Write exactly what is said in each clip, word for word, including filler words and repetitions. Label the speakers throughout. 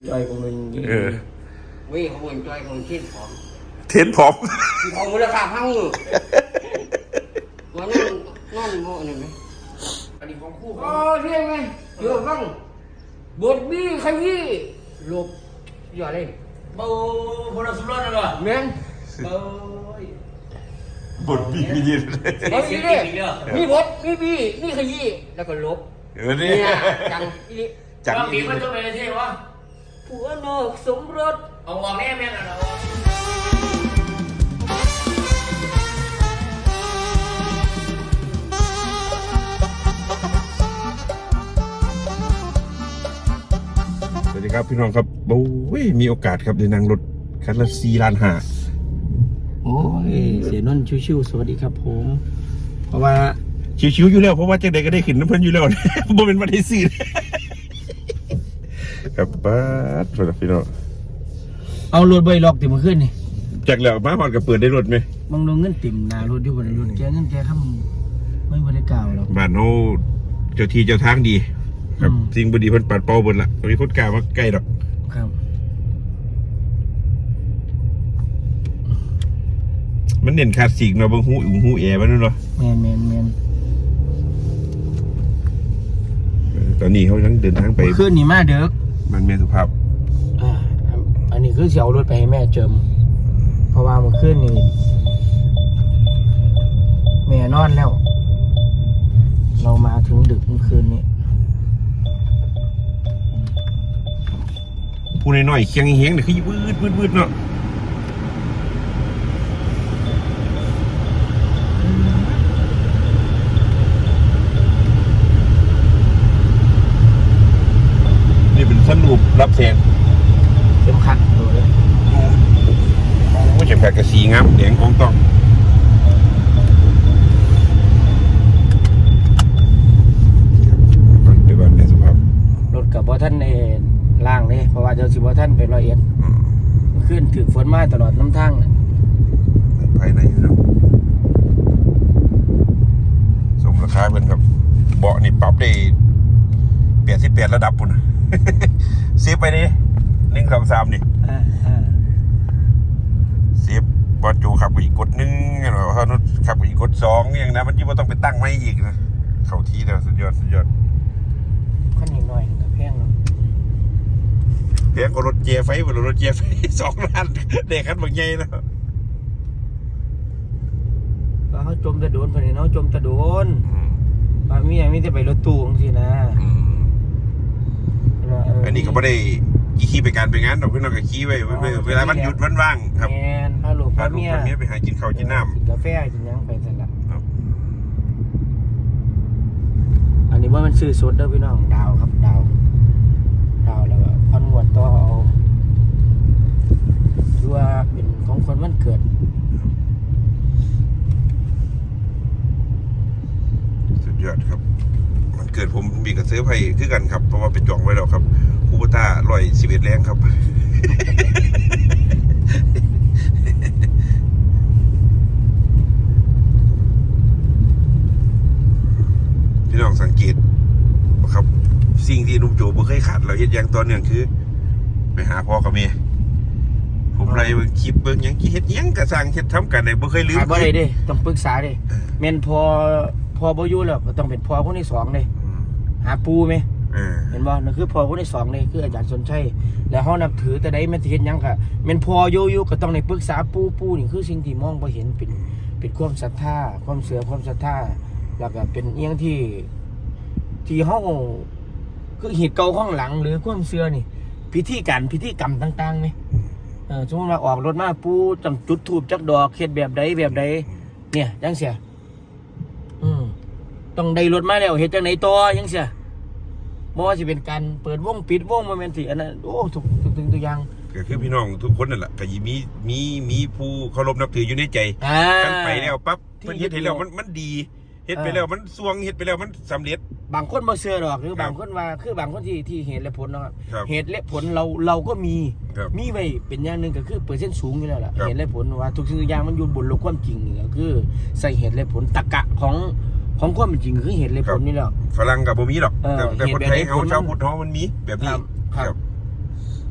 Speaker 1: Chơi của mình gì
Speaker 2: Ừ.
Speaker 1: vì của mình chơi của mình thiên phỏng
Speaker 2: เทนผม
Speaker 1: thì phỏng mới là phạm hăng ngự mà nó nó ngộ này mấy
Speaker 3: อันนี้ของคู่ของ
Speaker 1: ờ thế này chưa vâng bột bi khay bi luộc giờ đây
Speaker 3: เบาพลสุรนเหรอ
Speaker 1: men
Speaker 3: เบา
Speaker 2: บทบีบียิน
Speaker 1: có gì đây mi bột mi bi mi khay bi là còn luộc
Speaker 2: เออนี่
Speaker 1: nè chẳng đi
Speaker 2: จัง
Speaker 3: ว่ามี
Speaker 2: อี
Speaker 3: มันจะเป็นเท่วะ
Speaker 1: của nó sống rớt
Speaker 3: เอาออกแน่แม่กันเอา
Speaker 2: สวัสดีครับพี่น้องครับโอ้ยมีโอกาสครับได้นั่งรถคันละสี่ล้านห้า
Speaker 1: โอ้ยเสียนนท์ชิวๆสวัสดีครับผมเพราะว่า
Speaker 2: ชิวๆอยู่แล้วเพราะว่าจังใดก็ได้ขึ้นน้ำเพิ่นอยู่แล้ว บ่เป็นวันที่สี่ครับป้าดสวัสดีพี่น้อง
Speaker 1: เอารถใบล็อกติมาขึ้นนี่
Speaker 2: จากแล้วมาฮอดก็เปิดได้รถไหม
Speaker 1: บางลงเงินติ่มหนารถอยู่บนรถแกเงินแกข้ามไม่บริกล่าวหรอก
Speaker 2: บ้านเฮาเจ้าที่เจ้าทางดี ครับ
Speaker 1: อืม
Speaker 2: สิ่งบ่ดีเพิ่นปัดเป่าเบิดล่ะบ่มีคนกล้ามาใกล้ดอก
Speaker 1: ครับ
Speaker 2: มันเน้นคลาสสิกเนาะเบิ่งหูอูหูแอมันเนาะ
Speaker 1: แมนแมนแมน
Speaker 2: เออตอนนี้เขายังเดินทางไป
Speaker 1: ขึ้นนี่มาเด้อ
Speaker 2: บ้านแม่สุภาพ
Speaker 1: อ่าอันนี้คือเสียเอารถไปให้แม่เจิมเพราะว่าเมื่อคืนนี่แม่นอนแล้ว เรามาถึงดึกเมื่อคืนนี้
Speaker 2: ผู้น้อยๆเคียงเฮียงนี่คือวืดวืดวืดเนาะนี่เป็นสรุปรับแสง
Speaker 1: เข็มขัดดูเลย
Speaker 2: โอ้เข็มขัดกระสีงามแดงของต้องไปบ้านแม่สุภาพ
Speaker 1: รถกับว่าท่านเอล่างเลยเพราะว่าเจ้าสิว่าท่านเป็นร้อยเอ็ดขึ้นถึงฝนมาตลอดน้ำทางน่ะ
Speaker 2: ภายในเนาะสมราคาเพิ่นครับเบาะนี่ปรับได้แปดสิบแปดระดับปุ่น เซฟไปดิหนึ่งสองสามนี่
Speaker 1: อ่าอ่า
Speaker 2: เซฟบอลจูขับไปอีกกดหนึ่งอย่างไรเขานุขับไปอีกกดสองอย่างนั้นมันยิ่งว่าต้องไปตั้งไม่อีกนะเข้าที่แล้วสุดยอดสุดยอด
Speaker 1: ขั้นนิดหน่อยกับแพงเนาะ
Speaker 2: เพียงก็รถเจียไฟบนรถเจียไฟ สองล้านเด็กขันบางใหญ่นะ
Speaker 1: ก็เขาจมตะโดนคนนี้เนาะจมตะโดนบางมีอย่างมีแต่ไปรถตู้จังซี่นะ
Speaker 2: อันนี้ก็ไม่ได้ขี่ไปการไปงานดอกเพื่อนเราก็ขี่ไว้เวลามันหยุดมันว่างครับ
Speaker 1: แมนพาลูก
Speaker 2: พา
Speaker 1: พา
Speaker 2: ลูก
Speaker 1: เมีย
Speaker 2: พาเมียไปหากินข้าวกินน้ำ
Speaker 1: กินกาแฟกินหยังไปสลับ
Speaker 2: ครับ
Speaker 1: อันนี้ว่ามันซื้อสดเด้อพี่น้องดาวครับดาวดาวแล้วก็พันงวดต่อเอาดูว่าเป็นของคนวันเกิด
Speaker 2: สุดยอดครับมันเกิดผมมีกระเซื้อไผ่คือกันครับเพราะว่าไปจองไว้แล้วครับคูปต้าลอยสิบเอ็ดแรงครับ พี่น้องสังเกตครับสิ่งที่นุ่มโจบ่เคยขาดเราเฮ็ดอย่างต่อเนื่องคือ ไปหาพ่อกับแม่ผมไล่เบิ่งคลิปเบิ่งหยังเฮ็ดหยังกระสร้างเฮ็ดทำกันได้บ่เคยลืม
Speaker 1: หาบ่ได้เด้ต้องปรึกษาเด้แม่นพอพอบ่อยู่แล้วก็ต้องเป็นพ่อคนที่สองเด้หาปูไหม
Speaker 2: เออ
Speaker 1: เห็นบ่นั่นคือพ่อคนที่สองนี่คืออาจารย์สนชัยแล้วเฮานับถือแต่ใดแม่นสิเฮ็ดหยังก็แม่นพ่ออยู่อยู่ก็ต้องได้ปรึกษาปู่ปู่นี่คือสิ่งที่มองบ่เห็นเป็นเป็นความศรัทธาความเชื่อความศรัทธาแล้วก็เป็นอีหยังที่ที่เฮาคือเหตุเก่าข้างหลังหรือความเชื่อนี่ พิธีการพิธีกรรมต่างๆมั้ยเออสมมุติว่าออกรถมาปู่ต้องจุดธูปจักดอกเฮ็ดแบบใดแบบใดเนี่ยจังเสียอืมต้องได้รถมาแล้วเฮ็ดจังได๋ต่อจังเสียบ่ว่าสิเป็นการเปิดวงปิดวงบ่แม่นสิอันนั้นโอ้ทุกทุกทุกอย่าง
Speaker 2: ก็คือพี่น้องทุกคนนั่นแหละก็ยิมีมีมีผู้เคารพนับถืออยู่ในใจ
Speaker 1: อ่า
Speaker 2: กันไปแล้วปั๊บ
Speaker 1: ที่
Speaker 2: เพิ่นเฮ็ดให้แล้วมันมันดีเฮ็ดไป
Speaker 1: เออ
Speaker 2: แล้วมันสวงเฮ็ดไปแล้วมันสำเร็จ
Speaker 1: บางคนบ่เชื่อดอกหรือ
Speaker 2: ครับ
Speaker 1: บางคนว่าคือบางคนที่ที่เหตุและผลเนาะครับ
Speaker 2: ครับ
Speaker 1: เหตุและผลเราเราก็มี
Speaker 2: ครับ
Speaker 1: มีไว้เป็นอย่างหนึงก็คือเปอร์เซ็นต์สูงอยู่แล้วล่ะ
Speaker 2: ครับ
Speaker 1: เหตุและผลว่าทุกสิ่งทุกอย่างมันอยู่บนโลกความจริงนี่ก็คือใส่เหตุและผลตรรกะของของความเป็นจริงคือเหตุและผลนี่แหละ
Speaker 2: ฝรั่งก็บ่มีหรอก
Speaker 1: เออ
Speaker 2: แต่แต่คนไทย
Speaker 1: เฮ็ดแบบ
Speaker 2: เฮา
Speaker 1: นี้
Speaker 2: ชาวพุทธเฮามันมีแบบนี้
Speaker 1: ครับครับ
Speaker 2: ค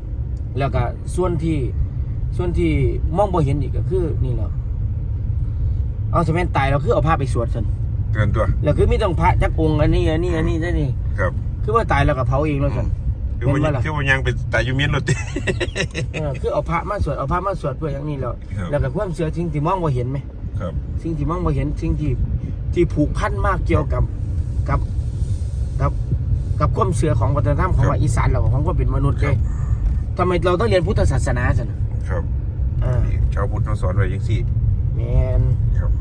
Speaker 1: แล้วก็ส่วนที่ส่วนที่มองบ่เห็นอีกก็คือนี่แหละเอาสมัยตายเราคือเอาผ้าไปสวดซั่น
Speaker 2: เกินตัว
Speaker 1: แล้วคือไม่ต้องพระจักองค์อันนี้อันนี้อันนี้อันนี้
Speaker 2: ครับ
Speaker 1: คือว่าตายแล้วก็เผาเองแล้วซั่น
Speaker 2: คือว่า
Speaker 1: เป็นว่าล่ะ
Speaker 2: คือว่ายังเป็นตายอยู่เมียนรถติ
Speaker 1: เออคือเอาพระมาสวดเอาพระมาสวดเพื่ออย่างนี้แล้ว
Speaker 2: ครับ
Speaker 1: แล้วก็ความเชื่อสิ่งที่มองบ่เห็นไหม
Speaker 2: ครับ
Speaker 1: สิ่งที่มองบ่เห็นสิ่งที่ที่ผูกพันมากเกี่ยวกับกับกับกับความเชื่อของวัฒนธรรมของว่าอีสานเราของความเป็นมนุษย์เลยทำไมเราต้องเรียนพุทธศาสนาซั่นน่ะ
Speaker 2: ครับ
Speaker 1: อ่า
Speaker 2: ชาวพุทธเขาสอนไว้ยังสี่
Speaker 1: แม่น
Speaker 2: ครับ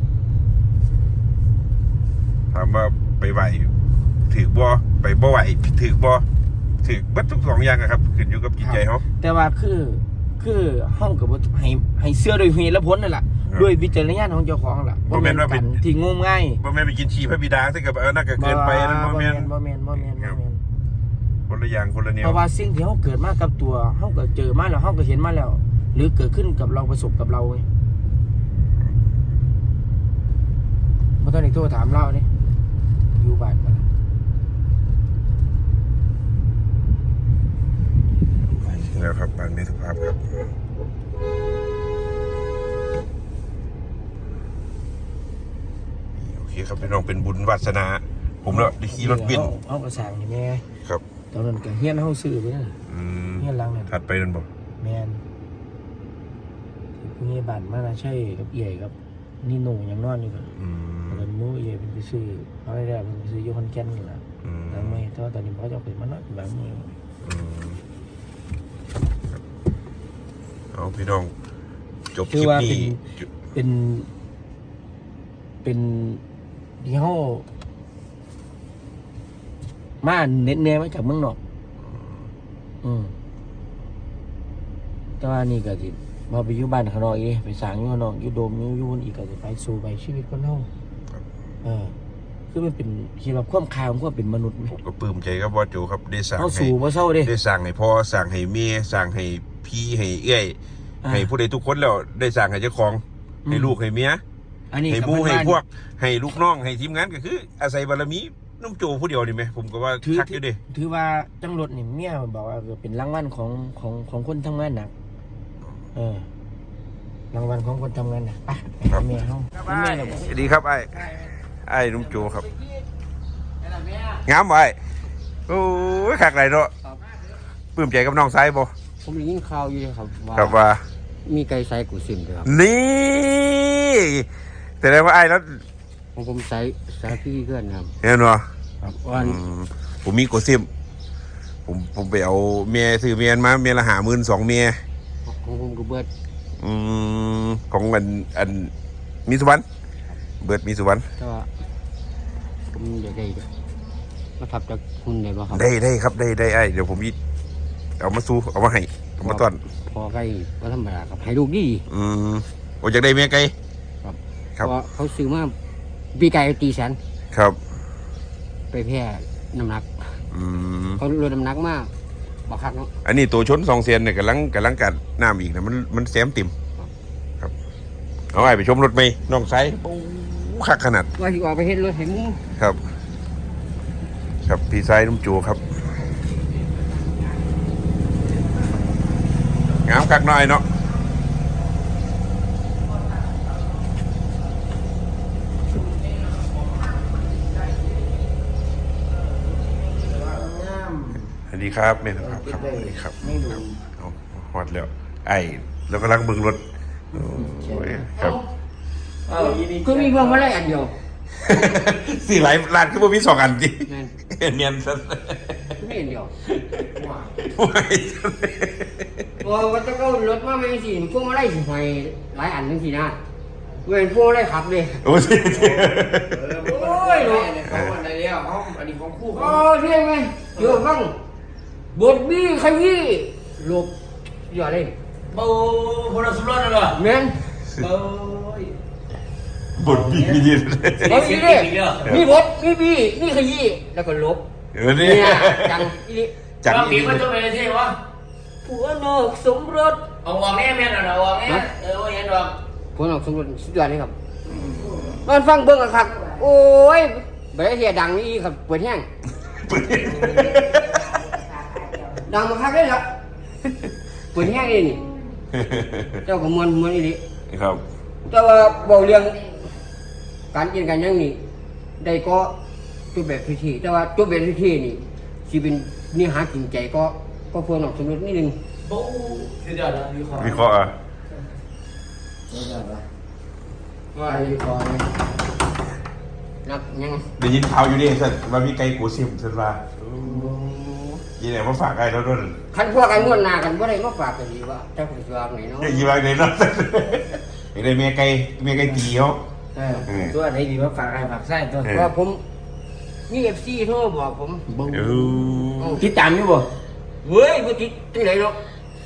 Speaker 2: ถามว่าไปไหวถือบ่ไปบ่ไหวถือบ่ถือบัดทุกสองอย่างอะครับขึ้นอยู่กับจิตใจเขา
Speaker 1: แต่ว่าคือคือห้องกับให้ให้เชื่อโดยเหตุและผลนั่นแหละ
Speaker 2: ครับ
Speaker 1: ด้วยวิจารณญาณของเจ้าของล่ะ
Speaker 2: บ่แม่นว่าเป็น
Speaker 1: กัที่งมง่าย
Speaker 2: บ่แม่นไปกินชีพระบิดาซึ่งกับเออน่าก็เกินไปนั่นบ่แม่น
Speaker 1: บ่แม่นบ่แม่นบ่แม่น
Speaker 2: คนละอย่างคนละแนว
Speaker 1: เพราะว่าสิ่งที่เขาเกิดมากับตัวเขาก็เจอมาแล้วเขาก็เห็นมาแล้ว หรือเกิดขึ้นกับเราประสบกับเราไงบ่ต้องได้โทรถามเรานี่อยู่บ้านบ่ล่ะ
Speaker 2: แล้วครับบางในสภาพครับโอเคครับพี่น้องเป็นบุญวาสนา ผมแล้วได้ขี่รถบิน
Speaker 1: เขาเขาก็สั่งนี่แม่
Speaker 2: ครับ
Speaker 1: ตอนนั้นก็เฮียนเฮาซื้อไปนั่น
Speaker 2: อืม
Speaker 1: เฮียนหลังนั่น
Speaker 2: ถัดไปนั่นบอก
Speaker 1: แม่นที่ผู้ใหญ่บ้านมาน่ะใช่กับเอี่ยกับนี่หนูยังนอนอยู่กัน
Speaker 2: อืม
Speaker 1: ตอนนั้นหมู่เอี่ยเป็นไปซื้อเขาได้แล้วเป็นไปซื้ออยู่คอนแก่นนี่ล่ะ
Speaker 2: อืม
Speaker 1: แล้วไม่แต่ว่าตอนนี้เขาจะเอาไปมานอนแบบนี้
Speaker 2: อืมครับเอาพี่น้องจบค
Speaker 1: คือ
Speaker 2: ลิป
Speaker 1: ว่า
Speaker 2: นี้
Speaker 1: เป็น เป็น เป็นที่เฮามาเน็ตแน่มาจากเมืองนอก อืมแต่ว่านี่ก็สิมาไปอยู่บ้านข้างนอกอีกไปสร้างอยู่ข้างนอกอยู่โดมอยู่อยู่อีกก็สิไปสู่ไปชีวิตคนเฮาเออคือมันเป็นคิดว่าความคายของความเป็นมนุษย์ไหม
Speaker 2: ผมก็ปลื้มใจครับบอสโจครับได้สั่ง
Speaker 1: เฮา
Speaker 2: ให้
Speaker 1: สู่บ่เศร้าเด้
Speaker 2: ได้สั่งให้พ่อสั่งให้เมียสั่งให้พี่ให้เอ้ย
Speaker 1: อ่า
Speaker 2: ให้ผู้ใดทุกคนแล้วได้สั่งให้เจ้าของ
Speaker 1: อืม
Speaker 2: ให้ลูกให้เมีย
Speaker 1: อันนี้
Speaker 2: ให้หมู่
Speaker 1: บ
Speaker 2: ให้
Speaker 1: บ้าน
Speaker 2: พวกให้ลูกน้องให้ทีมงานก็คือ อาศัยบารมีนุ่มโจผู้เดียวนี่ไหมผมก็ว่า
Speaker 1: ถือ
Speaker 2: ชักอยู่ดิ
Speaker 1: ถือว่าจังรถนี่เมียบอกว่าเป็นรางวัลของของของคนทำงานหนักเออรางวัลของคนทำงานหนักไปไปเมียเฮาเมียเราบอก
Speaker 2: สวัสดีครับไอ้ไอ้นุ่มโจครับงามไอ้โอ้ยขากไหลเนาะปลื้มใจกับน้องซ้ายบ่
Speaker 4: ผมได้ยินข่าวอยู่เลยครับว่า
Speaker 2: ครับว่า
Speaker 4: มีไก่ไซกูซิมด้วยครับ
Speaker 2: นี่แต่ได้ว่าไอ้แล้ว
Speaker 4: ของผมใส่ใส่พี่เพื่อนครับ
Speaker 2: เห็นบ่
Speaker 4: ครับวัน
Speaker 2: อืมผมมีโกซิมผมผมไปเอาเมียซื้อเมียมาเมียละหาหมื่นสองเมีย
Speaker 4: ของผมก็เบิด
Speaker 2: อืมของอันอันมีสุวรรณเบิดมีสุวรรณ
Speaker 4: แต่ว่าผมอยากได้มาทับจากคุณได้บ่ครับ
Speaker 2: ได้ได้ครับได้ได้ไอ้เดี๋ยวผมยิเอามาสู้เอามาให้เอามาต้อน
Speaker 4: พอไก่ก็ธรรมดาครับให้ลูกดี
Speaker 2: อืมโอ้อยากได้เมียไกล
Speaker 4: ครับ
Speaker 2: ครับ
Speaker 4: เพราะเขาซื้อมาปีไก่ตีแสน
Speaker 2: ครับ
Speaker 4: ไปแพร่น้ำหนัก
Speaker 2: อืม
Speaker 4: เขาลดน้ำหนักมากบักคักเนาะ
Speaker 2: อันนี้ตัวชนสองเซียนเนี่ยกำลังกำลังกัดน้ำอีกนะมันมันแซมติ่มครับเอาไอ้ไปชมรถไหมน้องไซปูคักขนาด
Speaker 4: ว่าที่ออกไปเห็นรถเห็นมุ้ง
Speaker 2: ครับ ครับพี่ไซนุ่มจูครับงามคักหน่อยเนาะสวัสดีครับเมธครับครับสวัสดีครับ
Speaker 1: ไม่ดู
Speaker 2: เอาฮอดแล้ว ไอ้แล้วก็ลังเบึงรถโอ้ยครับ
Speaker 1: เออยินดี
Speaker 4: คือมีพวงมาลัยอันเดียว
Speaker 2: สี่หลายร้านคือบ่มีสองอันจิ
Speaker 4: แม่น
Speaker 2: เนียนซะ
Speaker 4: คือมีอันเดียว
Speaker 2: ไม่
Speaker 4: พอว่าจะก็รถมาไม่สิพวงมาลัยสิหอยหลายอันจังซี่นะเว้นพวงมาลัยขับเลย
Speaker 2: โอ้ย
Speaker 1: โอ้ยเนาะเขาอันไหนแล้วเขาอันนี้ของคู่เขา
Speaker 4: โอ้เที่ยงไหมเดี๋ยวฟังบทบี้ขยี้หลบอย่าเล่น
Speaker 3: เบาคนละสุรนเลยว่ะ
Speaker 4: แม่น
Speaker 3: เบา
Speaker 2: บทบียิน
Speaker 4: บทบี้เลยมีบทมีบี้มีขยี้แล้วก็หลบ
Speaker 2: เออนี่
Speaker 4: เนี่ยจังอีนี่
Speaker 2: จัง
Speaker 3: บาง
Speaker 2: อี
Speaker 3: ทีมันจะเป็นเท่วะ
Speaker 4: ผัวนอกสมรส
Speaker 3: เอาออกแน่แม่นเอาออกแน่เออว่าเห็นดอก
Speaker 4: ผัวนอกสมรสสุดยอดเลยครับมันฟังเบิ่งอะครับ โอ้ยเบรเทียดังนี่ครับเปิดแห้งดังมาคักเลยละเปิดแห้งนี่นี่เจ้าก็มวนมวนอีหลี
Speaker 2: ครับ
Speaker 4: แต่ว่าเบาเรื่องการกินกันยังนี่ได้ก็จุดแบบพิธีแต่ว่าจุดแบบพิธีนี่สิเป็นเนื้อหาจริงใจก็ก็เพื่อนออกสมมตินิดนึง
Speaker 3: โอ้สุดยอดนะวิเคราะห์
Speaker 2: วิเคราะห์อ่ะ
Speaker 3: สุดยอดนะ
Speaker 4: ว่าอะไรก่อนนับยัง
Speaker 2: ได้ยินข่าวอยู่ดิสันว่ามีไก่กูซิมสันว่ายีไหนมาฝากไอ้เราด้วย
Speaker 4: คันพวกกันม้วนหนากันว่าได้มาฝากกันดีว่าเจ้าคุณสวางไหนเนาะ
Speaker 2: ยีว่าไหนเนาะไอ้ได้เมียไก่เมียไก่ตีเขา
Speaker 1: เออตัวไหนดีมาฝากไอ้ฝากไส้ตัว
Speaker 4: เพราะว่าผมนี่เอฟซีโทรบอกผม
Speaker 1: บึ้ง
Speaker 2: เออ
Speaker 1: ติดตามอยู่บ่
Speaker 4: เฮ้ยบ่ติดที่ไหนหรอก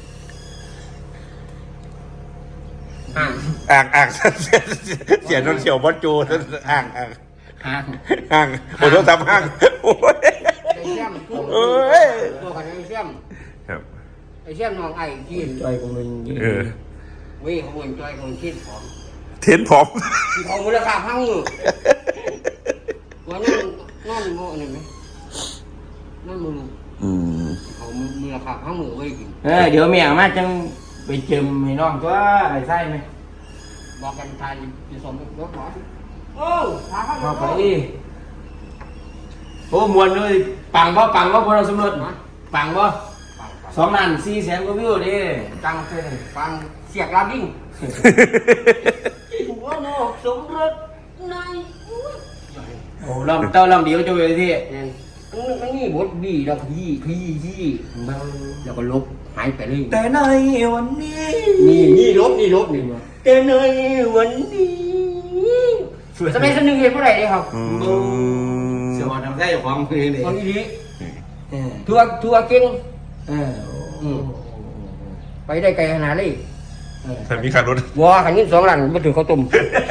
Speaker 4: อ่าน
Speaker 2: อ่างอ่างเสียนนเฉียวบอสโจอ่างอ่าง
Speaker 1: ห่าง
Speaker 2: อ่างโอ้โหทำอ่างโอ้ย
Speaker 4: ไอ้เสี่ยมตัว
Speaker 2: เอ้ย
Speaker 4: ตัวกันไอ้เสี่ยม
Speaker 2: ครับ
Speaker 4: ไอ้เสี่ยมน้องไอ้กิน
Speaker 1: จอยของมึง
Speaker 2: เออ
Speaker 4: เว้ยเขาเหมือนจอยของคิดของ
Speaker 2: เทนผม
Speaker 4: ที่ของมูลค่าพังมือว่านั่นนั่นโม่นี่ไหมนั่นมือ
Speaker 2: อืม
Speaker 4: เขามูลค่าพังมือไว้กิน
Speaker 1: เออเดี๋ยวเมียมาจังไปเจิมให้น้องตัวไอ้ไส้ไหม
Speaker 4: บอกกันทายจะสมรถหมอโอ้พาเข้า
Speaker 1: เอาไป
Speaker 4: ไป
Speaker 1: โอ้มวนเลยปังบ่ปังบ่พอเราสำรวจปังบ่
Speaker 4: ฟัง
Speaker 1: สองล้านสี่แสนกว่าวิวดิจังเท่
Speaker 4: ฟังเสียกลาบิ้งหัวนอกสมรสใน
Speaker 1: โอ้ลำเต้าลำเดียวจะไปที่
Speaker 4: เนี่ยมันมันนี่บทบีแล้วก็ยี่ยี่ยี่แล้วก็ลบหายไปเลย
Speaker 1: แต่ในวันนี้
Speaker 4: นี่นี่ลบนี่ลบนี่แต่ในวันนี้สมัยสนึงเห็นเมื่อไหร่เนี่ยครับ
Speaker 2: อืม
Speaker 1: เสียวันทำได้ของมือนี่
Speaker 4: ตอนนี้
Speaker 1: เออ
Speaker 4: ทัวร์ทัวร์เก่ง
Speaker 1: เออ
Speaker 4: อืม ไปได้ไกลขนาดนี้
Speaker 1: เออ
Speaker 2: ถ้ามีขับรถ
Speaker 4: วัวขันนี้สองหลังมาถือข้าวต้ม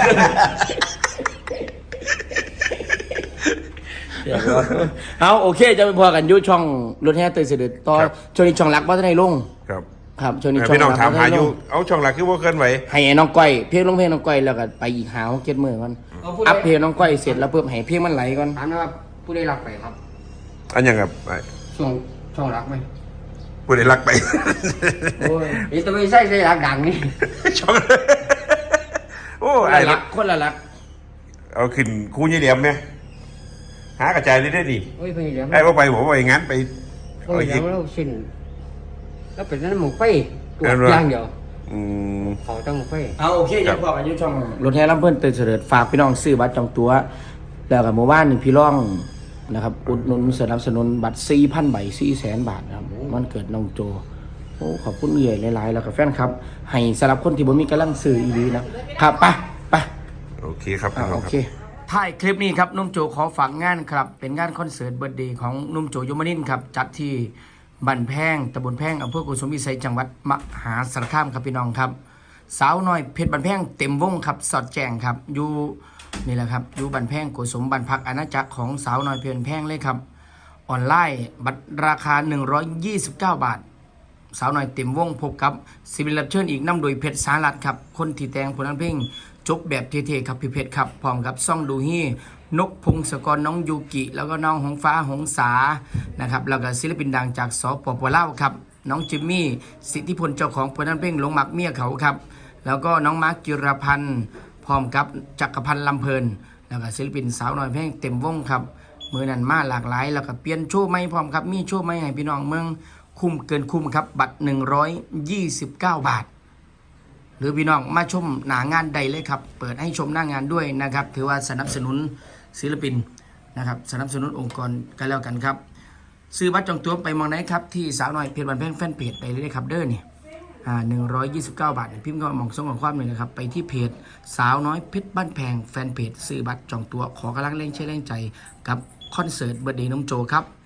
Speaker 1: เอาโอเคจะไปพอกันอยุช่องรถแห่เตยเสด็จต่อช่วงนี้ช่องรักว่าจะได้ลง
Speaker 2: ครับ
Speaker 1: ครับช่วงนี้ช่อง
Speaker 2: พี่น้อง
Speaker 1: รัก
Speaker 2: ถาม
Speaker 1: บ่
Speaker 2: หา
Speaker 1: ทัน
Speaker 2: อ
Speaker 1: ได้ล
Speaker 2: ยู่
Speaker 1: ง
Speaker 2: เอาช่องหลักคือว่าเคลื่อนไหว
Speaker 1: ให้ไอ้น้องก้อยเพลงลงเพลงน้องก้อยแล้วก็ไปอีกหาเก็ตมือก่อนอัพเพลงน้องก้อยเสร็จแล้วเพิ่มให้เพลงมันไหลก่อน
Speaker 4: ถามนะครับผู้ได้รักไปครับ
Speaker 2: อันยังครับไอ้
Speaker 4: ช่วงช่วงรักไหม
Speaker 2: ผู้ใดรักไป
Speaker 1: โอ้ย
Speaker 4: นี่ตัวไม่ใช่ใช่รักดังนี่
Speaker 2: ช่องโอ้
Speaker 1: คน
Speaker 2: ไอ้
Speaker 1: ละ
Speaker 2: รั
Speaker 1: รั
Speaker 2: ก
Speaker 1: กคนละรัก
Speaker 2: เอาขึ้นคู่ยี่เหลี่ยมไหมหากระจายได้ได้ดิ
Speaker 4: โอ้ยเพื่อนเดี๋ยว
Speaker 2: ไอ้ว่าไปผมว่าอย่างนั้นไป
Speaker 4: โอ้
Speaker 2: เอา
Speaker 4: ย
Speaker 2: หยิ
Speaker 4: เดี๋ย
Speaker 2: บ
Speaker 4: วเราสิ้นแล้วเป็นนั้นหมูไฟตัว
Speaker 2: เออ
Speaker 4: อย่างเดียว
Speaker 2: อืม
Speaker 4: เขาต้องหมูไฟ
Speaker 1: เอาโอเค
Speaker 2: ครั
Speaker 1: จะ
Speaker 2: บ
Speaker 1: พอกันอยุช่องรถแห่ลำเพิ่นเตยเสด็จฝากพี่น้องซื้อบัตรจองตั๋วแล้วกับหมู่บ้านนี่พี่ร่องนะครับอุดหนุนสนับสนุนบัตรสี่พันใบสี่แสนบาทนะครับมันเกิดน้องโจโอ้ขอบคุณเอื่อยหลายๆแล้วกับแฟนครับ ให้สำหรับคนที่บ่มีกำลังซื้ออีหลีนะครับไปไป
Speaker 2: โอเคครับ
Speaker 1: อ่า
Speaker 2: พี่น้
Speaker 1: โอ
Speaker 2: องค
Speaker 1: เค
Speaker 2: รับ
Speaker 1: ท้ายคลิปนี้ครับนุ่มโจขอฝากงานครับ เป็นงานคอนเสิร์ตเบิร์ดเดย์ของนุ่มโจยมนินทร์ครับ จัดที่บ้านแพงตำบลแพงอำเภอกุสุมวิสัยจังหวัดมหาสารคามครับพี่น้องครับ สาวน้อยเพชรบ้านแพงเต็มวงครับสอดแจงครับ อยู่นี่แหละครับอยู่บ้านแพงกุสุมบ้านพักอาณาจักรของสาวน้อยเพชรบ้านแพงเลยครับ ออนไลน์บัตรราคาหนึ่งร้อยยี่สิบเก้าบาท สาวน้อยเต็มวงพบกับศิลปินรับเชิญอีกนำโดยเพชรสารัตครับ คนที่แต่งผลงานเพลงจบแบบเท่ๆครับพี่เพชรครับพร้อมกับซ่องดูฮี่นกพงศกรน้องยูกิ แล้วก็น้องหงฟ้าหงสานะครับแล้วก็ศิลปินดังจากสปปลาวครับน้องจิมมี่สิทธิพลเจ้าของผลงานเพลงหลงหมักเมียเขาครับ แล้วก็น้องมาร์คจิรพันธ์พร้อมกับจักรพันธ์ลำเพลิน แล้วก็ศิลปินสาวน้อยเพลงเต็มวงครับมือนั้นมาหลากหลายแล้วก็เปลี่ยนโชว์ใหม่พร้อมครับมีโชว์ใหม่ให้พี่น้องเมืองคุ้มเกินคุ้มครับบัตรหนึ่งร้อยยี่สิบเก้าบาท หรือพี่น้องมาชมหนางานใดเลยครับเปิดให้ชมหน้างานด้วยนะครับถือว่าสนับสนุนศิลปินนะครับสนับสนุนองค์กรกันแล้วกันครับซื้อบัตรจองตั๋วไปมองไหนครับที่สาวน้อยเพจบันแพงแฟนเพจไปเลยครับเด้อนี่อ่าหนึ่งร้อยยี่สิบเก้าบาทพิมพ์ก็มองส่งข้อความเลยนะครับไปที่เพจสาวน้อยเพชรบ้านแพงแฟนเพจซื้อบัตรจองตั๋วขอกำลังเล่นเชื่อเล่นใจกับคอนเสิร์ตเบิร์ดเดย์น้องโจครับ